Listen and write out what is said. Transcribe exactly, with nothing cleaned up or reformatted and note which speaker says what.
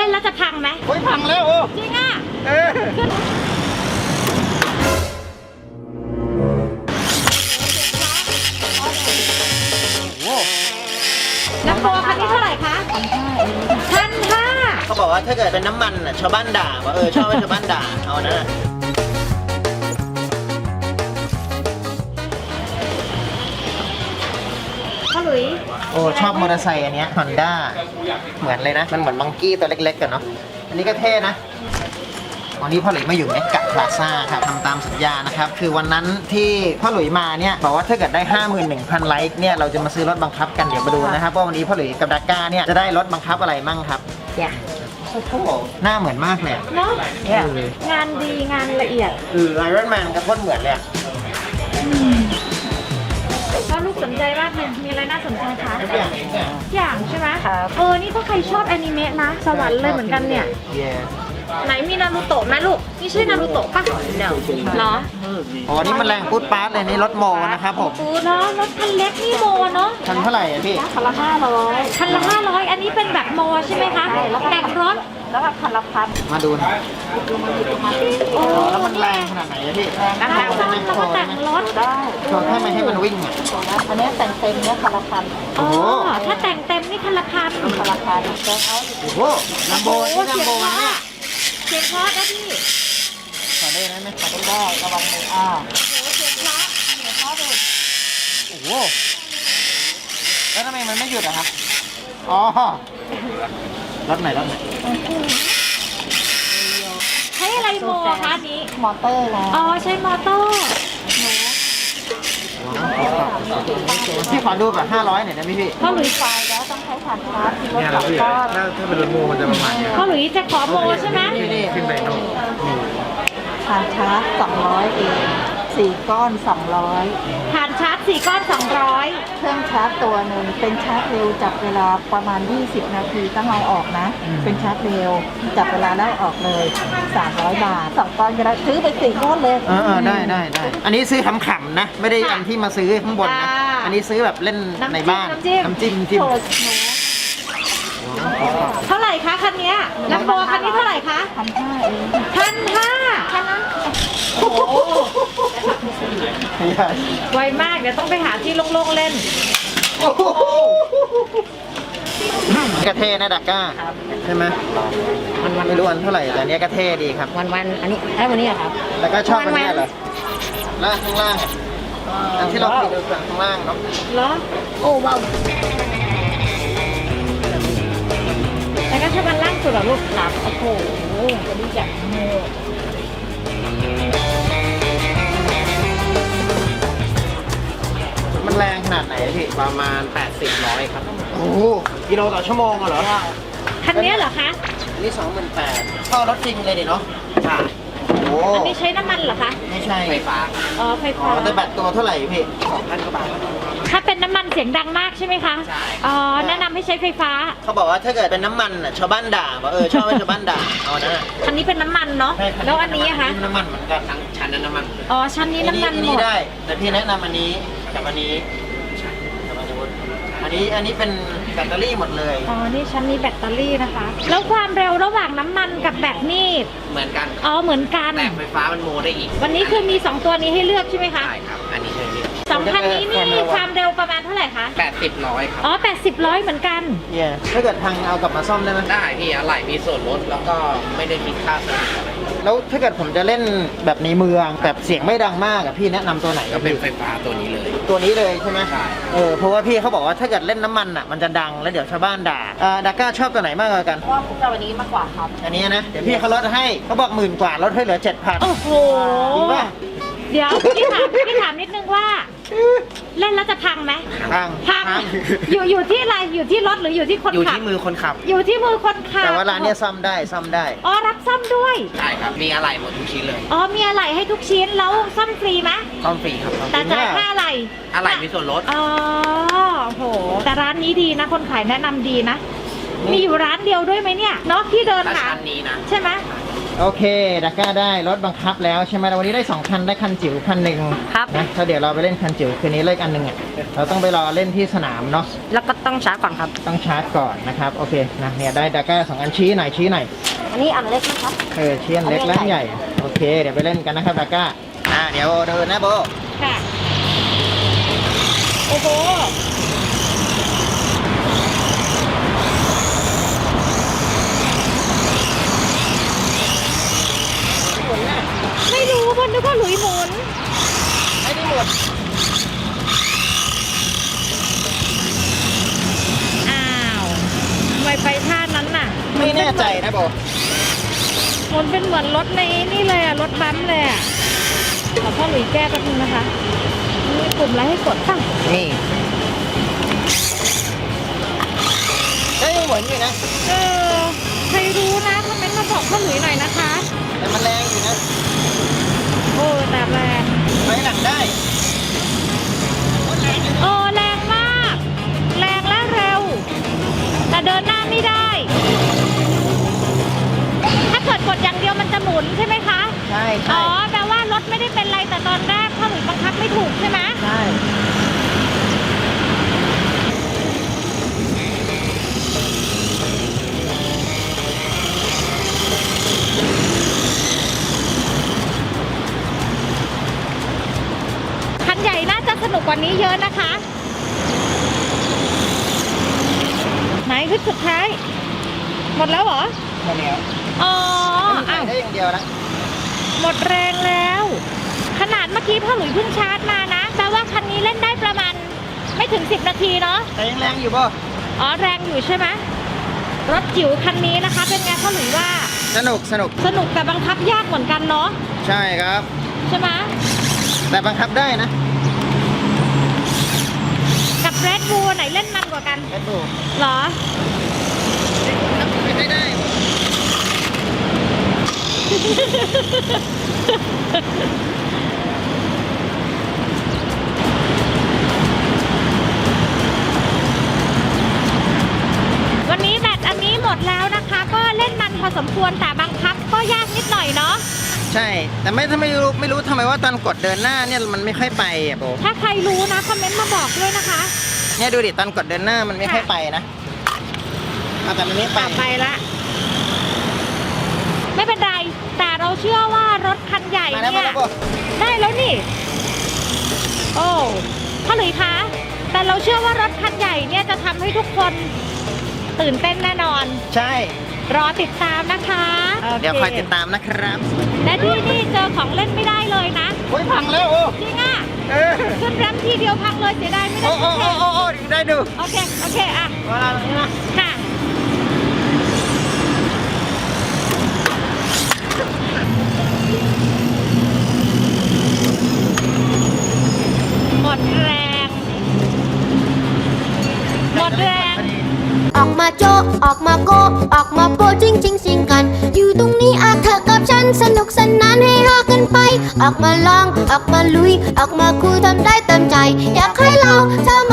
Speaker 1: ล่นแล้วจะพังไหม
Speaker 2: โอ้ยพังแล้วโอ้
Speaker 1: จริงอ่ะ
Speaker 2: เออโอ้
Speaker 1: แล้วโปรคันนี้เท่าไหร่คะพันห้า
Speaker 2: เขาบอกว่าถ้าเกิดเป็นน้ำมันอ่ะชาวบ้านด่าว่าเออชอบให้ชาวบ้านด่าเอานะ
Speaker 1: พ่อหลุย
Speaker 2: โอ้ชอบมอเตอร์ไซค์อันเนี้ยฮอนด้าเหมือนเลยนะมันเหมือนมังกี้ตัวเล็กๆกันเนาะอันนี้ก็เท่นะวันนี้พ่อหลุยมาอยู่เมกะพลาซ่าครับทำตามสัญญานะครับคือวันนั้นที่พ่อหลุยมาเนี่ยบอกว่าถ้าเกิดได้ ห้าหมื่นหนึ่งพัน ไลค์เนี่ยเราจะมาซื้อรถบังคับกันเดี๋ยวมาดูนะครับว่าวันนี้พ่อหลุยกับดาก้าเนี่ยจะได้รถบังคับอะไรมั่งครับ
Speaker 1: เนี่ย
Speaker 2: โอ้โหหน้าเหมือนมากเลย
Speaker 1: เนาะงานดีงานละเอียด
Speaker 2: เออไอรอนแมนกับพ่นเหมือนเลย
Speaker 1: ก็ลูกสนใจมากเลยมีอะไรน่าสนใจคะ
Speaker 2: ทุกอย่างทุกอย่าง
Speaker 1: อย่างใช่ไหมเออนี่ถ้าใครชอบแอนิเมะนะสวรรค์เลยเหมือนกันเนี่ยไหนมีนารูโตะไหมลูกนี่ใช่นารูโตะป่ะเดี๋ยวเหรอ
Speaker 2: อ๋อนี่มันแรงพูดปาร์ตเลยนี่รถโมนะครับผม
Speaker 1: เนาะรถคันเล็กนี่โมเนาะ
Speaker 2: คันเท่าไหร่อะพี่
Speaker 1: คันละห้าร้อยคันละห้าร้อยอันนี้เป็นแบบโมใช่ไหมคะแต่งรถแล้วก็คันละพัน
Speaker 2: มาดูนะ
Speaker 1: โอ้
Speaker 2: แล้วมันแรงขนาดไหนอะพี่แรง
Speaker 1: นะคะแล้วก็แต่งรถ
Speaker 2: ได้โชว์แค่ไม่ให้มันวิ่งอ่ะ
Speaker 1: อันนี้แต่งเต็มเนี่ยคันละพันอ๋อถ้าแต่งเต็มนี่คันละพันคันละพัน
Speaker 2: โอ้โหลัมโบนี่ลัมโบเนี่ย
Speaker 1: เสียงเพราะนะพี่
Speaker 2: ขอได้ไหม
Speaker 1: ขอได้ระวังมืออ้าวโอ้โหเสียงเพราะเสียงเพราะเลย
Speaker 2: โอ้โหแล้วทำไมมันไม่หยุดอะครับอ๋อรถไหนรถไหน
Speaker 1: ใช้อะไรโมคะนี้มอเตอร์แล้วอ๋อใช้มอเตอร์
Speaker 2: พี่ขอดูแบบห้าร้อยหน่อยได้ไหมพี่
Speaker 1: พ่อหลุยไฟแล้วต้องใช้ผ่านชาร์จ
Speaker 3: เนี่ยนะพี่ถ้าถ้าเป็นรถโมมันจะประมาณนี้
Speaker 1: พ่อหลุยจะขอโมใช่ไหม
Speaker 3: ขึ้นไปโน่
Speaker 4: ผ่านชาร์จสองร้อยเองสี่ก้อนสองร้อย
Speaker 1: ผ่านชาร์จสี่ก้อนสองร้อย
Speaker 4: เครื่องชาร์จตัวหนึ่งเป็นชาร์จเร็วจับเวลาประมาณยี่สิบนาทีต้องเอาออกนะเป็นชาร์จเร็วจับเวลาแล้วออกเลยสามร้อยบาทสองก้อนก็ได้ซื้อไปสี่ก้อนเลย
Speaker 2: เออได้ได้ได้อันนี้ซื้อขำๆนะไม่ได้อันที่มาซื้อข้างบนนะอันนี้ซื้อแบบเล่นในบ้านน้ำจิ้มน้ำจิ้ม
Speaker 1: เท่าไหร่คะคันนี้ลัมโบคันนี้เท่าไหร่คะ
Speaker 4: พันห้าเอง
Speaker 1: พันห้าคันนั้นโอ้โหไวมากเดี๋ยวต้องไปหาที่โล่งๆเล่น
Speaker 2: กระเทนะดักก้าใช่ไหมมันวันไม่รู้วันเท่าไหร่แต่เนี้ยกระเทดีครับ
Speaker 1: วันวันอันนี้ไอ้วันนี้เหรอครับ
Speaker 2: แล้วก็ชอบอันนี้เหรอล่างข้างล่างอันที่เราคุยดูข้างล่างเนาะ
Speaker 1: เหรอโอ้ว้าวแล้วก็ชอบอันล่างสุดเหรอลูกหลับโอ้โหจะดีจังโม่
Speaker 2: มันแรงขนาดไหนพี่
Speaker 3: ประมาณแปดสิบร้อยครับ
Speaker 2: โอ้กิโลต่อชั่วโมงเหรอ
Speaker 1: คันนี้เหรอคะ
Speaker 2: อันนี้สองหมื่นแปดเข้ารถจริงเลยดิเนาะใช่
Speaker 1: โอ้อันนี้ใช้น้ำมันเหรอคะ
Speaker 2: ไม่ใช่
Speaker 3: ไฟฟ้า
Speaker 1: อ๋อไฟฟ้า
Speaker 2: แต่แบตตัวเท่าไหร่พี่สองพันกว่าบาท
Speaker 1: ถ้าเป็นน้ำมันเสียงดังมากใช่ไหมคะใช่อ๋อแนะนำให้ใช้ไฟฟ้า
Speaker 2: เขาบอกว่าถ้าเกิดเป็นน้ำมันอ่ะชาวบ้านด่าว่าเออชอบให้ชาวบ้านด่าเอานะ
Speaker 1: อันนี้เป็นน้ำมันเนาะแล้วอันนี้คะ
Speaker 2: น้ำมันเหมือนกันทั้งชั้นนั้นน้ำมัน
Speaker 1: อ๋อชั้นนี้น้ำมันหมด
Speaker 2: ได้แต่พี่แนะนำอันนี้กับอันนี้อันนี้อันนี้เป็นแบตเตอรี่หมดเลย
Speaker 1: อ๋อนี่ชั้นนี้แบตเตอรี่นะคะแล้วความเร็วระหว่างน้ำมันกับแบตนี่
Speaker 3: เหมือนกัน
Speaker 1: อ๋อเหมือนกัน
Speaker 3: แต่ไฟฟ้ามันโมได้อีก
Speaker 1: วันนี้คือมีสองตัวนี้ให้เลือกใช่ไหมคะ
Speaker 3: ใช่ครับอันนี้ใช่
Speaker 1: ไหมสองคันนี้นี่ความเร็วประมาณเท่าไหร่คะ
Speaker 3: แปดสิบร้อยครับ
Speaker 1: อ๋อแปดสิบร้อยเหมือนกัน
Speaker 2: เนี่ยถ้าเกิดทางเอากลับมาซ่อมได้ไหม
Speaker 3: ได้พี่อะไรมีส่วนลดแล้วก็ไม่ได้คิดค่าซ่อมอะไร
Speaker 2: แล้วถ้าเกิดผมจะเล่นแบบในเมืองแบบเสียงไม่ดังมากอะพี่แนะนำตัวไหน
Speaker 3: ก็เป็นไฟฟ้าตัวนี้เลย
Speaker 2: ตัวนี้เลยใช่ไหม
Speaker 3: ใช่
Speaker 2: เออเพราะว่าพี่เขาบอกว่าถ้าเกิดเล่นน้ำมันอะมันจะดังแล้วเดี๋ยวชาวบ้านด่าอ่าดาก้าชอบตัวไหนมากกว่ากัน
Speaker 4: ว่าผมจะวันนี้มากกว่าครับ
Speaker 2: อันนี้นะเดี๋ยวพี่เขาลดให้เขาบอกหมื่นกว่าลดให้เหลือเจ็ดพัน
Speaker 1: โอ้โห
Speaker 2: จริงป่ะ
Speaker 1: เดี๋ยวพี่ถามพี่ถามนิดนึงว่าเล่นแล้วจะพังไหม
Speaker 2: พัง
Speaker 1: พังอยู่อยู่ที่อะไรอยู่ที่รถหรืออยู่ที่คนขับ
Speaker 3: อยู่ที่มือคนขับ
Speaker 1: อยู่ที่มือคนขับ
Speaker 2: แต่ว่าร้านนี้ซ่อมได้ซ่อมได้
Speaker 1: อ๋อรับซ่อมด้วย
Speaker 3: ใช่ครับมีอะไรหมดทุกชิ้นเลย
Speaker 1: อ๋อมีอะไรให้ทุกชิ้นแล้วซ่อมฟรีไหม
Speaker 3: ซ่อมฟรีครับ
Speaker 1: แต่จ่ายค่าอะไร
Speaker 3: อะไรมีส่วนลด
Speaker 1: อ๋อโหแต่ร้านนี้ดีนะคนขายแนะนำดีนะมีอยู่ร้านเดียวด้วยไหมเนี่ยเนาะที่เดินหา
Speaker 3: ชั้นนี้นะ
Speaker 1: ใช่ไหม
Speaker 2: โอเคดาก้าได้รถบังคับแล้วใช่ไหมวันนี้ได้สองคันได้คันจิ๋วคันหนึ่ง
Speaker 1: ครับ
Speaker 2: นะถ้าเดี๋ยวเราไปเล่นคันจิ๋วคืนนี้เล่นอันหนึ่งอ่ะเราต้องไปรอเล่นที่สนามเนาะ
Speaker 1: แล้วก็ต้องชาร์จก่อนครับ
Speaker 2: ต้องชาร์จก่อนนะครับโอเคนะเนี่ยได้ดาก้าสองอันชี้หน่อยชี้หน่อย
Speaker 1: อันนี้อันเล็กนะครับ
Speaker 2: เออชี้อันเล็กและอันใหญ่โอเคเดี๋ยวไปเล่นกันนะครับดาก้าอ่าเดี๋ยวเดินนะโบ
Speaker 1: ค่ะ โอ้โห ไม่รู้บนนึกว่าหลุยหมุน
Speaker 2: ไม่ได้หมด
Speaker 1: อ้าวทำไมไปท่านั้นน่ะ
Speaker 2: ไม่แน่ใจนะโบ
Speaker 1: มันเป็นเหมือนรถในนี่เลยอะรถบัมป์เลยอะขอพ่อหลุยแก้แป๊บนึงนะคะ มีปุ่มอะไรให้กดป่ะ
Speaker 2: นี่ได้ยังเหมือนอยู่นะ
Speaker 1: เออ ใครรู้นะคอมเมนต์มาบอกพ่อหลุยหน่อยนะคะ
Speaker 2: แต่มันแรงอยู่นะ
Speaker 1: โอ้แต่แรง
Speaker 2: ไปหลังได้
Speaker 1: โอ้แรงมาก แรงและเร็ว แต่เดินหน้าไม่ได้ ถ้าเกิดกดอย่างเดียวมันจะหมุนใช่ไหมคะ
Speaker 2: ใช่
Speaker 1: อ๋
Speaker 2: ใช่
Speaker 1: อ แปลว่ารถไม่ได้เป็นไรแต่ตอนแรกพ่อหลุยบังคับไม่ถูกใช่ไหม
Speaker 2: ใช่
Speaker 1: คันใหญ่น่าจะสนุกกว่านี้เยอะนะคะ ไหนคือสุดท้าย หมดแล้วเหรอ
Speaker 2: หมดแล้ว
Speaker 1: อ๋อ
Speaker 2: มัน
Speaker 1: อ้าว
Speaker 2: ได้อย่างเดียวนะ
Speaker 1: หมดแรงแล้ว ขนาดเมื่อกี้พ่อหลุยเพิ่งชาร์จมานะแปลว่าคันนี้เล่นได้ประมาณไม่ถึงสิบนาทีเนาะ
Speaker 2: แต่ยังแรงอยู่ป่ะ
Speaker 1: อ๋อแรงอยู่ใช่ไหมรถจิ๋วคันนี้นะคะ เป็นไงพ่อหลุยว่า
Speaker 2: สนุกสนุก
Speaker 1: สนุกแต่บังคับยากเหมือนกันเนาะ
Speaker 2: ใช่ครับ
Speaker 1: ใช่ไหม
Speaker 2: แต่บังคับได้นะ
Speaker 1: กับเรดบูลไหนเล่นมันกว่ากัน
Speaker 2: แอดบู
Speaker 1: เหรอ
Speaker 2: ไม่ได้
Speaker 1: วันนี้แบตอันนี้หมดแล้วนะคะ ก็เล่นมันพอสมควรแต่บังคับก็ยากนิดหน่อยเนาะ
Speaker 2: ใช่ แต่ไม่ทำไมรู้ไม่รู้ทำไมว่าตอนกดเดินหน้าเนี่ยมันไม่ค่อยไปอ่ะโบ
Speaker 1: ถ้าใครรู้นะคอมเมนต์มาบอกด้วยนะคะ
Speaker 2: เนี่ยดูดิตอนกดเดินหน้ามันไม่ค่อยไปนะเอาแต่มันไม่ไป
Speaker 1: ต่อไปละ ไม่เป็นไร แต่เราเชื่อว่ารถคันใหญ่
Speaker 2: มาแล้ว
Speaker 1: เนี่
Speaker 2: มาย แล้วโบ
Speaker 1: ได้แล้วนี่ โอ้พ่อหลุยคะ แต่เราเชื่อว่ารถคันใหญ่เนี่ยจะทำให้ทุกคนตื่นเต้นแน่นอน
Speaker 2: ใช่
Speaker 1: รอติดตามนะคะโ
Speaker 2: เดี๋ยวคอยติดตามนะครับ
Speaker 1: และที่นี่เจอของเล่นไม่ได้เลยนะ
Speaker 2: โอ้ยพังแล้วโอ้
Speaker 1: จริงอ่ะ
Speaker 2: เออ
Speaker 1: ขึ้นแรมทีเดียวพังเลยเสียดายไม่ได้
Speaker 2: โอ้โอ้โอ้โอ้โอ้ได้ดู
Speaker 1: โอเค โอเค อ่ะ
Speaker 2: เวลาตรงนี้นะ
Speaker 1: ค่ะ หมดแรง หมดแรง
Speaker 5: ออกมาโจะออกมาโกะออกมาโปะจริงจริงสิงกัน อยู่ตรงนี้อาเธอกับฉันสนุกสนานให้ฮากันไป ออกมาลอง ออกมาลุย ออกมาคุยทำได้เต็มใจ อยากให้เราทำ